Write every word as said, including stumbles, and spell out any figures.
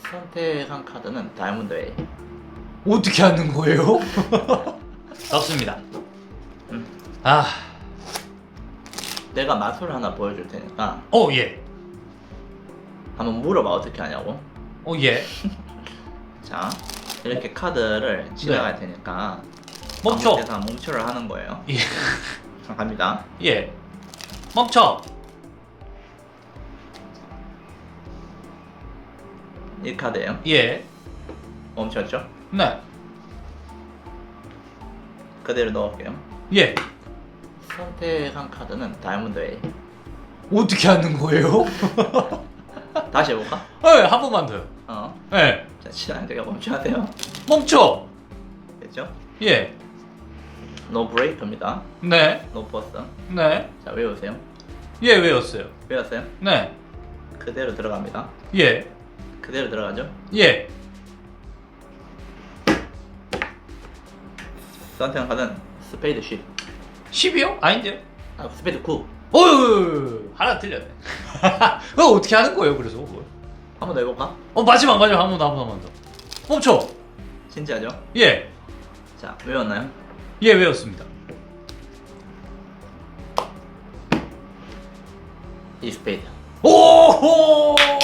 선택한 카드는 다이아몬드 A. 어떻게 하는 거예요? 넣습니다. 음. 아, 내가 마술 하나 보여줄 테니까 어 예, 한번 물어봐. 어떻게 하냐고. 어 예. 자, 이렇게 카드를 지나갈 테니까 멈춰. 아무 데나 멈춰를 하는 거예요. 예, 자, 갑니다. 예. 멈춰. 이 카드예요. 예. 멈췄죠? 네. 그대로 넣을게요. 예. 선택한 카드는 다이아몬드 A. 어떻게 하는 거예요? 다시 해볼까? 예, 한 번만 더요. 어. 예. 자, 지나갈 때가 멈춰야 돼요. 멈춰. 됐죠? 예. 노 브레이크입니다. 네. 노 버스. 네. 자, 외우세요. 예, 외웠어요. 외웠어요? 네. 그대로 들어갑니다. 예. 그대로 들어가죠? 예. 선택한 카드는 스페이드 십. 십이요? 아닌데요? 아, 스페이드 구. 어휴, 하나 틀렸네. 그거 어떻게 하는 거예요, 그래서? 그걸? 한 번 더 해볼까? 어, 마지막, 마지막, 한 번 더, 한 번 더, 한 번 더. 멈춰. 진지하죠? 예. 자, 외웠나요? 예, 외웠습니다. 이 스페이드. 오호!